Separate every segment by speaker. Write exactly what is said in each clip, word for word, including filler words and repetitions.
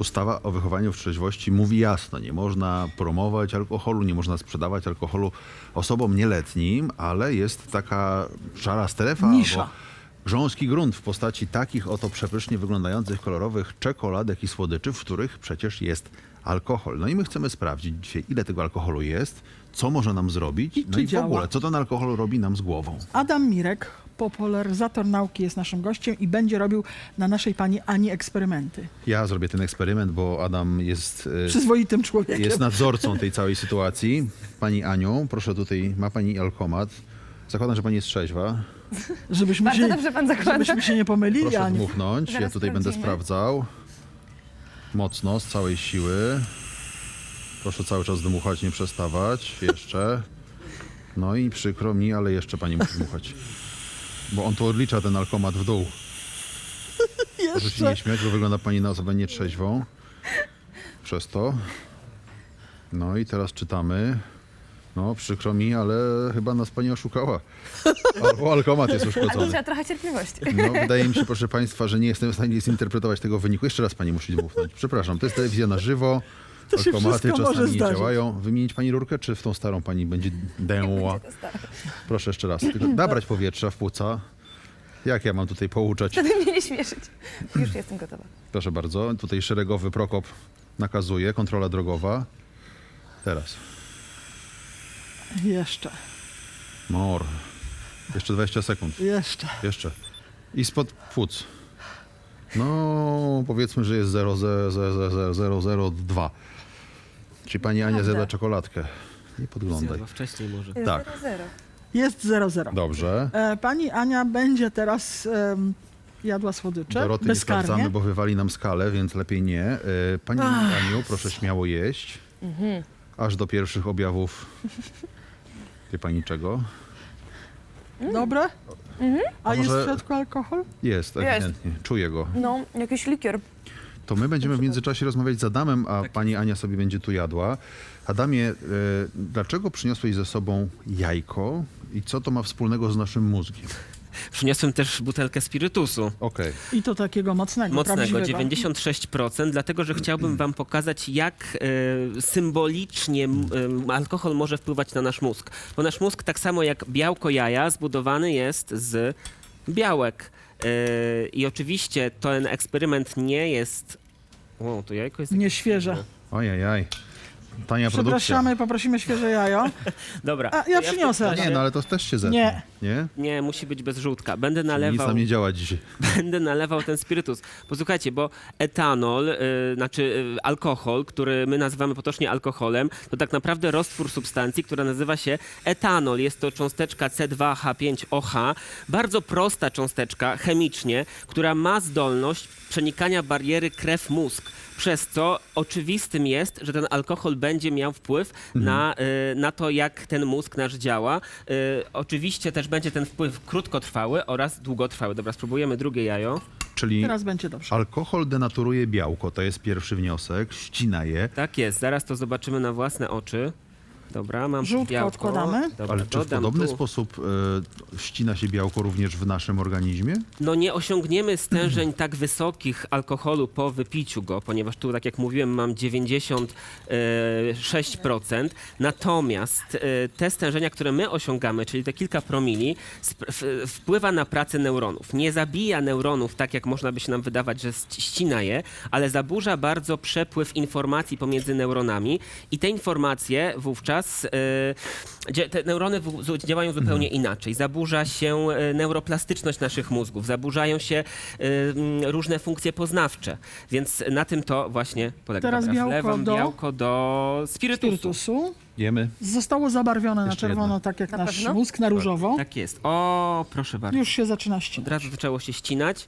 Speaker 1: Ustawa o wychowaniu w trzeźwości mówi jasno, nie można promować alkoholu, nie można sprzedawać alkoholu osobom nieletnim, ale jest taka szara strefa
Speaker 2: Nisza.
Speaker 1: albo grząski grunt w postaci takich oto przepysznie wyglądających kolorowych czekoladek i słodyczy, w których przecież jest alkohol. No i my chcemy sprawdzić dzisiaj, ile tego alkoholu jest, co może nam zrobić,
Speaker 2: I
Speaker 1: no
Speaker 2: czy
Speaker 1: i w
Speaker 2: działa.
Speaker 1: ogóle, co ten alkohol robi nam z głową.
Speaker 2: Adam Mirek, popularyzator nauki, jest naszym gościem i będzie robił na naszej pani Ani eksperymenty.
Speaker 1: Ja zrobię ten eksperyment, bo Adam jest... e,
Speaker 2: Przyzwoitym człowiekiem.
Speaker 1: Jest nadzorcą tej całej sytuacji. Pani Aniu, proszę tutaj, ma pani alkomat. Zakładam, że pani jest trzeźwa.
Speaker 2: Żebyśmy
Speaker 3: Bardzo
Speaker 2: się,
Speaker 3: dobrze pan zakłada.
Speaker 2: żebyśmy się nie pomylili,
Speaker 1: Proszę
Speaker 2: Aniu.
Speaker 1: dmuchnąć. Ja
Speaker 3: Zaraz
Speaker 1: tutaj będę
Speaker 3: sprawdzimy.
Speaker 1: sprawdzał. Mocno, z całej siły. Proszę cały czas dmuchać, nie przestawać. Jeszcze. No i przykro mi, ale jeszcze pani musi dmuchać. Bo on tu odlicza ten alkomat w dół. Proszę się nie
Speaker 2: Jeszcze.
Speaker 1: śmiać, bo wygląda pani na osobę nietrzeźwą. Przez to. No i teraz czytamy. No, przykro mi, ale chyba nas pani oszukała. Albo alkomat jest
Speaker 3: Albo
Speaker 1: uszkodzony.
Speaker 3: trzeba trochę cierpliwości.
Speaker 1: No, wydaje mi się, proszę państwa, że nie jestem w stanie zinterpretować tego wyniku. Jeszcze raz pani musi dmuchnąć. Przepraszam, to jest telewizja na żywo.
Speaker 2: To się
Speaker 1: Alkomaty
Speaker 2: wszystko może
Speaker 1: czasami nie
Speaker 2: zdarzyć.
Speaker 1: działają. Wymienić pani rurkę, czy w tą starą pani będzie dęła? Proszę jeszcze raz. Tylko nabrać powietrza w płuca. Jak ja mam tutaj pouczać?
Speaker 3: Żeby mnie nie śmieszyć. Już jestem gotowa.
Speaker 1: Proszę bardzo. Tutaj szeregowy Prokop nakazuje. Kontrola drogowa. Teraz.
Speaker 2: Jeszcze.
Speaker 1: Mor. Jeszcze dwadzieścia sekund.
Speaker 2: Jeszcze.
Speaker 1: Jeszcze. I spod płuc. No, powiedzmy, że jest zero zero zero zero dwa. Czyli pani Ania
Speaker 3: Prawda.
Speaker 1: zjada czekoladkę. Nie podglądaj.
Speaker 4: Zjadła wcześniej może.
Speaker 1: Tak.
Speaker 3: Zero, zero.
Speaker 2: Jest zero zero.
Speaker 1: Dobrze.
Speaker 2: E, pani Ania będzie teraz em, jadła słodycze.
Speaker 1: Doroty nie
Speaker 2: bezkarnie.
Speaker 1: sprawdzamy, bo wywali nam skalę, więc lepiej nie. E, Pani Aniu, proszę śmiało jeść. Aż do pierwszych objawów. Wie pani czego?
Speaker 2: Dobre? A
Speaker 1: A
Speaker 2: jest
Speaker 1: może-
Speaker 2: w środku alkohol?
Speaker 1: Jest, ewidentnie. Czuję go.
Speaker 3: No, jakiś likior.
Speaker 1: To my będziemy w międzyczasie rozmawiać z Adamem, a
Speaker 4: Tak.
Speaker 1: pani Ania sobie będzie tu jadła. Adamie, e, dlaczego przyniosłeś ze sobą jajko i co to ma wspólnego z naszym mózgiem?
Speaker 4: Przyniosłem też butelkę spirytusu.
Speaker 1: Okej.
Speaker 2: I to takiego mocnego,
Speaker 4: Mocnego,
Speaker 2: prawdziwego.
Speaker 4: dziewięćdziesiąt sześć procent, dlatego że chciałbym wam pokazać, jak e, symbolicznie m, e, alkohol może wpływać na nasz mózg. Bo nasz mózg, tak samo jak białko jaja, zbudowany jest z białek. E, I oczywiście ten eksperyment nie jest... O, to jajko jest...
Speaker 2: Nieświeże.
Speaker 1: Ojajaj. Tania produkcja.
Speaker 2: Przepraszamy, poprosimy świeże jajo.
Speaker 4: Dobra.
Speaker 2: A, ja przyniosę.
Speaker 4: w takim
Speaker 1: Nie,
Speaker 4: razie-
Speaker 1: no ale to też się zetnie.
Speaker 2: Nie.
Speaker 1: Nie?
Speaker 4: Nie, musi być bez żółtka. Będę
Speaker 1: Nic
Speaker 4: nalewał...
Speaker 1: nam nie działa dzisiaj.
Speaker 4: Będę nalewał ten spirytus. Posłuchajcie, bo etanol, y, znaczy y, alkohol, który my nazywamy potocznie alkoholem, to tak naprawdę roztwór substancji, która nazywa się etanol. Jest to cząsteczka C dwa H pięć O H, bardzo prosta cząsteczka chemicznie, która ma zdolność przenikania bariery krew-mózg. Przez co oczywistym jest, że ten alkohol będzie miał wpływ na, y, na to, jak ten mózg nasz działa. Y, oczywiście też będzie ten wpływ krótkotrwały oraz długotrwały. Dobra, spróbujemy drugie jajo.
Speaker 1: Czyli
Speaker 2: Teraz będzie dobrze.
Speaker 1: alkohol denaturuje białko, to jest pierwszy wniosek, ścina je.
Speaker 4: Tak jest, zaraz to zobaczymy na własne oczy. Dobra, mam
Speaker 2: Żółtko
Speaker 4: białko.
Speaker 2: odkładamy.
Speaker 4: Dobra,
Speaker 1: Ale czy w
Speaker 4: dodam
Speaker 1: podobny
Speaker 4: tu.
Speaker 1: sposób e, ścina się białko również w naszym organizmie?
Speaker 4: No nie osiągniemy stężeń tak wysokich alkoholu po wypiciu go, ponieważ tu, tak jak mówiłem, mam dziewięćdziesiąt sześć procent. Natomiast e, te stężenia, które my osiągamy, czyli te kilka promili, sp- w- wpływa na pracę neuronów. Nie zabija neuronów tak, jak można by się nam wydawać, że ści- ścina je, ale zaburza bardzo przepływ informacji pomiędzy neuronami i te informacje wówczas, e, dzia- te neurony w- z- działają zupełnie inaczej. Zaburza się e, neuroplastyczność naszych mózgów, zaburzają się e, m, różne funkcje poznawcze, więc na tym to właśnie polega.
Speaker 2: Teraz
Speaker 4: Dobra,
Speaker 2: białko
Speaker 4: wlewam
Speaker 2: do-
Speaker 4: białko do spirytusu.
Speaker 2: Spirytusu.
Speaker 1: Jemy.
Speaker 2: Zostało zabarwione na
Speaker 1: Jeszcze
Speaker 2: czerwono,
Speaker 1: jedno.
Speaker 2: tak jak
Speaker 3: Na
Speaker 2: nasz
Speaker 3: pewno?
Speaker 2: mózg, na różowo.
Speaker 4: Tak jest. O, proszę bardzo.
Speaker 2: Już się zaczyna
Speaker 4: Od
Speaker 2: ścinać.
Speaker 4: razu zaczęło się ścinać.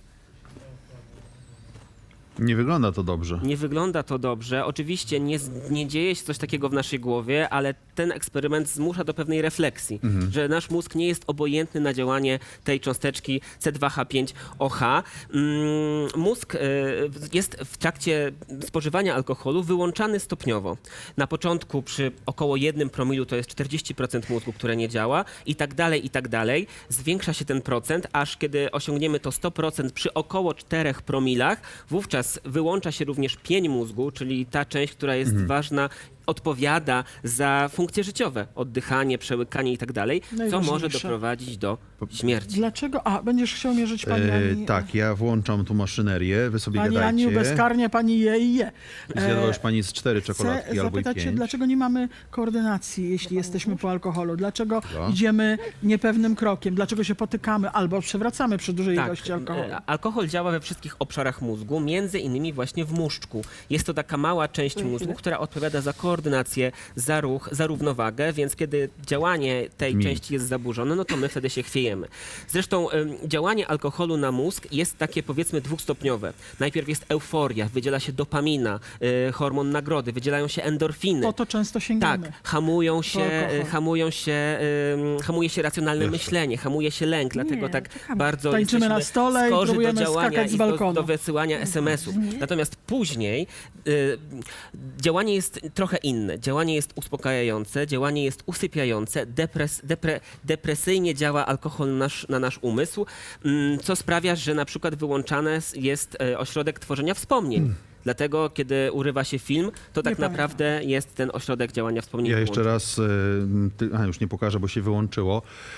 Speaker 1: Nie wygląda to dobrze.
Speaker 4: Nie wygląda to dobrze. Oczywiście nie, z- nie dzieje się coś takiego w naszej głowie, ale ten eksperyment zmusza do pewnej refleksji, że nasz mózg nie jest obojętny na działanie tej cząsteczki C dwa H pięć O H. Mm, mózg e, jest w trakcie spożywania alkoholu wyłączany stopniowo. Na początku przy około jednym promilu to jest czterdzieści procent mózgu, które nie działa i tak dalej, i tak dalej. Zwiększa się ten procent, aż kiedy osiągniemy to sto procent przy około czterech promilach, wówczas Wówczas wyłącza się również pień mózgu, czyli ta część, która jest
Speaker 1: Mhm.
Speaker 4: ważna, odpowiada za funkcje życiowe, oddychanie, przełykanie i tak dalej, co może
Speaker 2: Najważniejsze.
Speaker 4: doprowadzić do śmierci.
Speaker 2: Dlaczego? A, będziesz chciał mierzyć pani Ani?
Speaker 1: E, tak, ja włączam tu maszynerię, wy sobie
Speaker 2: Pani
Speaker 1: gadajcie.
Speaker 2: Aniu, bezkarnie pani je i je.
Speaker 1: Zjadła
Speaker 2: E,
Speaker 1: już pani z cztery
Speaker 2: Chcę
Speaker 1: czekoladki albo i
Speaker 2: zapytać się,
Speaker 1: pięć.
Speaker 2: dlaczego nie mamy koordynacji, jeśli jesteśmy po alkoholu? Dlaczego
Speaker 1: Dobra.
Speaker 2: idziemy niepewnym krokiem? Dlaczego się potykamy albo przewracamy przy dużej ilości alkoholu?
Speaker 4: e, alkohol działa we wszystkich obszarach mózgu, między innymi właśnie w muszczku. Jest to taka mała część mózgu, która odpowiada za koordynację, za ruch, za równowagę, więc kiedy działanie tej
Speaker 1: Mi.
Speaker 4: części jest zaburzone, no to my wtedy się chwiejemy. Zresztą em, działanie alkoholu na mózg jest takie powiedzmy dwustopniowe. Najpierw jest euforia, wydziela się dopamina, y, hormon nagrody, wydzielają się endorfiny.
Speaker 2: Po to często sięgamy.
Speaker 4: Tak, hamują się,
Speaker 2: alkohol.
Speaker 4: y, hamują się, ym, hamuje się racjonalne
Speaker 1: Jeszcze.
Speaker 4: myślenie, hamuje się lęk, dlatego tak
Speaker 3: czekamy.
Speaker 4: bardzo
Speaker 2: Tańczymy
Speaker 4: jesteśmy
Speaker 2: na stole i
Speaker 4: skorzy do
Speaker 2: próbujemy
Speaker 4: działania
Speaker 2: skakać z
Speaker 4: i do,
Speaker 2: balkonu.
Speaker 4: do wysyłania es em esów. Natomiast później y, działanie jest trochę inne. Działanie jest uspokajające, działanie jest usypiające, depres, depre, depresyjnie działa alkohol na nasz, na nasz umysł, mm, co sprawia, że na przykład wyłączany jest y, ośrodek tworzenia wspomnień. Dlatego, kiedy urywa się film, to tak
Speaker 2: pamiętam.
Speaker 4: naprawdę jest ten ośrodek działania wspomnień.
Speaker 1: Ja jeszcze
Speaker 4: wyłączony.
Speaker 1: raz, e, ty, a już nie pokażę, bo się wyłączyło.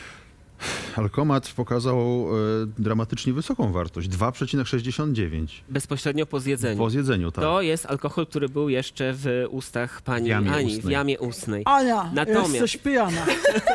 Speaker 1: Alkomat pokazał e, dramatycznie wysoką wartość, dwa przecinek sześćdziesiąt dziewięć
Speaker 4: Bezpośrednio po zjedzeniu.
Speaker 1: po zjedzeniu, tak.
Speaker 4: To jest alkohol, który był jeszcze w ustach pani
Speaker 1: W jamie
Speaker 4: Ani, w
Speaker 1: ustnej.
Speaker 4: jamie ustnej.
Speaker 2: Ania,
Speaker 4: Natomiast-
Speaker 2: jesteś pijana.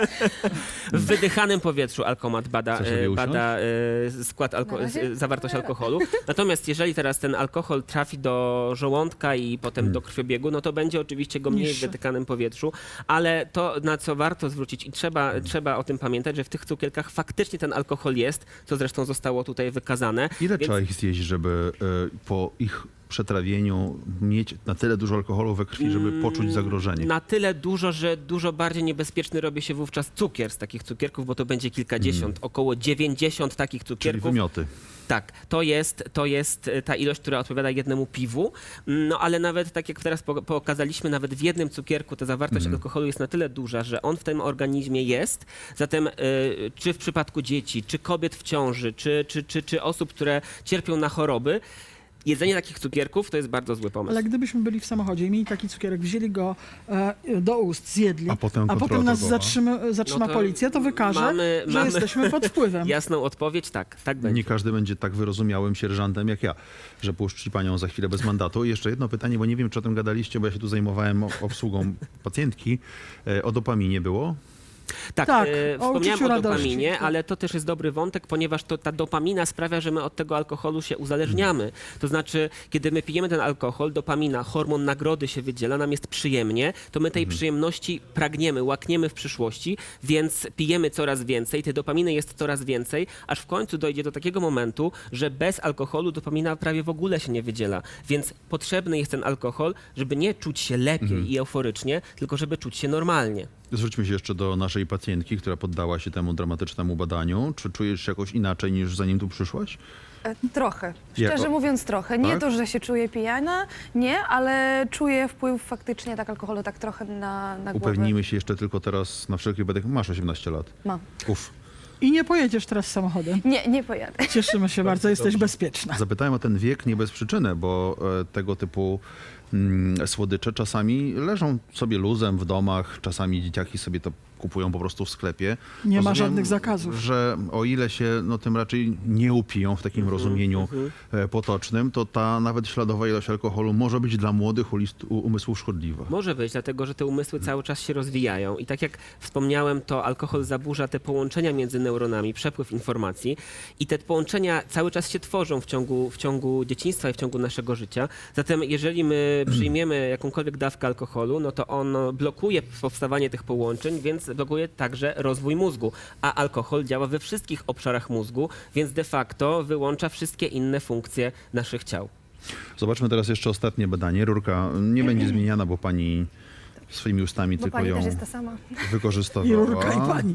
Speaker 4: W wydychanym powietrzu alkomat bada,
Speaker 1: Chcesz sobie
Speaker 4: e,
Speaker 1: usiąść?
Speaker 4: bada e, skład, alko-
Speaker 3: Na razie?
Speaker 4: z- zawartość alkoholu. Natomiast jeżeli teraz ten alkohol trafi do żołądka i potem
Speaker 1: Hmm.
Speaker 4: do krwiobiegu, no to będzie oczywiście go mniej w
Speaker 2: Niższy.
Speaker 4: wydykanym powietrzu, ale to, na co warto zwrócić i trzeba, trzeba o tym pamiętać, że w tych cukierkach faktycznie ten alkohol jest, co zresztą zostało tutaj wykazane.
Speaker 1: Ile
Speaker 4: Więc-
Speaker 1: trzeba ich zjeść, żeby e, po ich przetrawieniu mieć na tyle dużo alkoholu we krwi, żeby poczuć zagrożenie?
Speaker 4: Na tyle dużo, że dużo bardziej niebezpieczny robi się wówczas cukier z takich cukierków, bo to będzie kilkadziesiąt, około dziewięćdziesiąt takich
Speaker 1: Mm. Czyli
Speaker 4: cukierków.
Speaker 1: wymioty.
Speaker 4: Tak, to jest, to jest e, ta ilość, która odpowiada jednemu piwu. No ale nawet tak jak teraz po- pokazaliśmy, nawet w jednym cukierku ta zawartość
Speaker 1: Mhm.
Speaker 4: alkoholu jest na tyle duża, że on w tym organizmie jest. Zatem e, czy w przypadku dzieci, czy kobiet w ciąży, czy, czy, czy, czy osób, które cierpią na choroby, jedzenie takich cukierków to jest bardzo zły pomysł.
Speaker 2: Ale gdybyśmy byli w samochodzie i mieli taki cukierek, wzięli go e, do ust, zjedli,
Speaker 1: A potem
Speaker 2: a
Speaker 1: kontrola
Speaker 2: potem nas
Speaker 1: drogowa.
Speaker 2: zatrzyma, zatrzyma
Speaker 4: No to
Speaker 2: policja, to wykaże,
Speaker 4: mamy-
Speaker 2: że
Speaker 4: mamy-
Speaker 2: jesteśmy pod wpływem.
Speaker 4: Jasną odpowiedź, tak, tak będzie.
Speaker 1: Nie każdy będzie tak wyrozumiałym sierżantem jak ja, że puszczy panią za chwilę bez mandatu. I jeszcze jedno pytanie, bo nie wiem, czy o tym gadaliście, bo ja się tu zajmowałem o- obsługą pacjentki. E, O dopaminie było?
Speaker 4: Tak,
Speaker 2: Tak,
Speaker 4: e,
Speaker 2: o
Speaker 4: wspomniałem
Speaker 2: uczuciu
Speaker 4: o
Speaker 2: radości.
Speaker 4: dopaminie, ale to też jest dobry wątek, ponieważ to, ta dopamina sprawia, że my od tego alkoholu się uzależniamy. To znaczy, kiedy my pijemy ten alkohol, dopamina, hormon nagrody się wydziela, nam jest przyjemnie, to my tej przyjemności pragniemy, łakniemy w przyszłości, więc pijemy coraz więcej, tej dopaminy jest coraz więcej, aż w końcu dojdzie do takiego momentu, że bez alkoholu dopamina prawie w ogóle się nie wydziela. Więc potrzebny jest ten alkohol, żeby nie czuć się lepiej i euforycznie, tylko żeby czuć się normalnie.
Speaker 1: Zwróćmy się jeszcze do naszej pacjentki, która poddała się temu dramatycznemu badaniu. Czy czujesz się jakoś inaczej niż zanim tu przyszłaś?
Speaker 3: E, Trochę.
Speaker 1: Jak-
Speaker 3: Szczerze mówiąc trochę. Nie
Speaker 1: Tak?
Speaker 3: to, że się czuję pijana, nie, ale czuję wpływ faktycznie tak alkoholu tak trochę na, na głowę.
Speaker 1: Upewnijmy się jeszcze tylko teraz na wszelki wypadek. Masz osiemnaście lat.
Speaker 3: Mam.
Speaker 1: Uf.
Speaker 2: I nie pojedziesz teraz samochodem.
Speaker 3: Nie, nie pojadę.
Speaker 2: Cieszymy się bardzo, jesteś bezpieczna.
Speaker 1: Zapytałem o ten wiek nie bez przyczyny, bo e, tego typu mm, słodycze czasami leżą sobie luzem w domach, czasami dzieciaki sobie to kupują po prostu w sklepie.
Speaker 2: Nie ma
Speaker 1: Rozumiem,
Speaker 2: żadnych zakazów.
Speaker 1: Że o ile się no, tym raczej nie upiją w takim rozumieniu e, potocznym, to ta nawet śladowa ilość alkoholu może być dla młodych ulist, u, umysłów szkodliwa.
Speaker 4: Może być, dlatego że te umysły cały czas się rozwijają i tak jak wspomniałem, to alkohol zaburza te połączenia między neuronami, przepływ informacji i te połączenia cały czas się tworzą w ciągu, w ciągu dzieciństwa i w ciągu naszego życia. Zatem jeżeli my przyjmiemy jakąkolwiek dawkę alkoholu, no to on blokuje powstawanie tych połączeń, więc blokuje także rozwój mózgu, a alkohol działa we wszystkich obszarach mózgu, więc de facto wyłącza wszystkie inne funkcje naszych ciał.
Speaker 1: Zobaczmy teraz jeszcze ostatnie badanie. Rurka nie będzie zmieniana, bo pani swoimi ustami
Speaker 3: Bo
Speaker 1: tylko
Speaker 3: pani
Speaker 1: ją
Speaker 3: też jest ta sama.
Speaker 1: wykorzystowała.
Speaker 2: I rurka, i pani.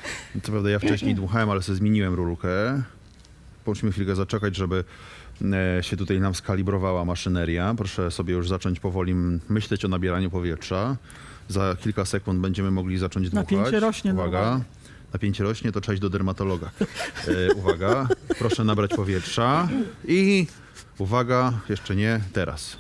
Speaker 1: Co prawda ja wcześniej dmuchałem, ale sobie zmieniłem rurkę. Musimy chwilkę zaczekać, żeby e, się tutaj nam skalibrowała maszyneria. Proszę sobie już zacząć powoli myśleć o nabieraniu powietrza. Za kilka sekund będziemy mogli zacząć dmuchać.
Speaker 2: Napięcie rośnie
Speaker 1: Uwaga.
Speaker 2: normalnie.
Speaker 1: napięcie rośnie, to trzeba iść do dermatologa. E, uwaga, proszę nabrać powietrza i uwaga, jeszcze nie, teraz.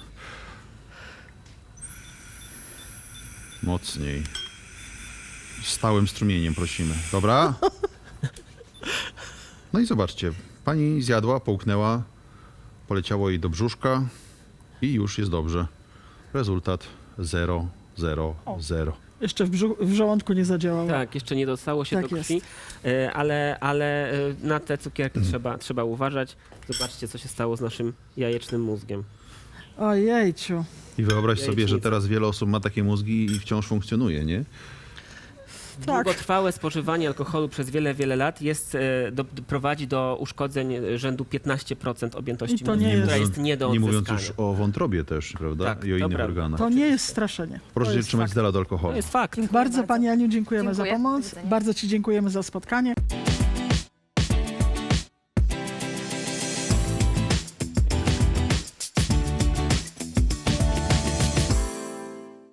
Speaker 1: Mocniej. Stałym strumieniem prosimy. Dobra? No i zobaczcie, pani zjadła, połknęła, poleciało jej do brzuszka i już jest dobrze. Rezultat zero, zero, zero.
Speaker 2: Jeszcze w, brzu- w żołądku nie zadziałało.
Speaker 4: Tak, jeszcze nie dostało się
Speaker 2: Tak
Speaker 4: do krwi, e, ale, ale e, na te cukierki trzeba, trzeba uważać. Zobaczcie, co się stało z naszym jajecznym mózgiem.
Speaker 2: Ojejciu.
Speaker 1: I wyobraź sobie, że
Speaker 4: Jajecznica.
Speaker 1: teraz wiele osób ma takie mózgi i wciąż funkcjonuje, nie?
Speaker 2: Tak.
Speaker 4: Długotrwałe spożywanie alkoholu przez wiele, wiele lat jest, e, do, do, prowadzi do uszkodzeń rzędu piętnaście procent objętości
Speaker 2: I to
Speaker 4: mózgu,
Speaker 2: nie jest-
Speaker 4: która jest nie do
Speaker 1: Nie mówiąc
Speaker 4: odzyskania.
Speaker 1: już o wątrobie też, prawda?
Speaker 4: Tak,
Speaker 1: I o
Speaker 4: to
Speaker 1: innych
Speaker 4: prawda.
Speaker 1: organach.
Speaker 2: To nie jest straszenie.
Speaker 1: Proszę
Speaker 2: To
Speaker 1: się
Speaker 2: jest
Speaker 1: trzymać
Speaker 2: fakt.
Speaker 1: z dala od alkoholu.
Speaker 4: To jest fakt.
Speaker 2: Bardzo,
Speaker 3: bardzo.
Speaker 2: Pani Aniu, dziękujemy
Speaker 3: Dziękuję.
Speaker 2: za
Speaker 3: Do
Speaker 2: pomoc.
Speaker 3: widzenia.
Speaker 2: Bardzo Ci dziękujemy za spotkanie.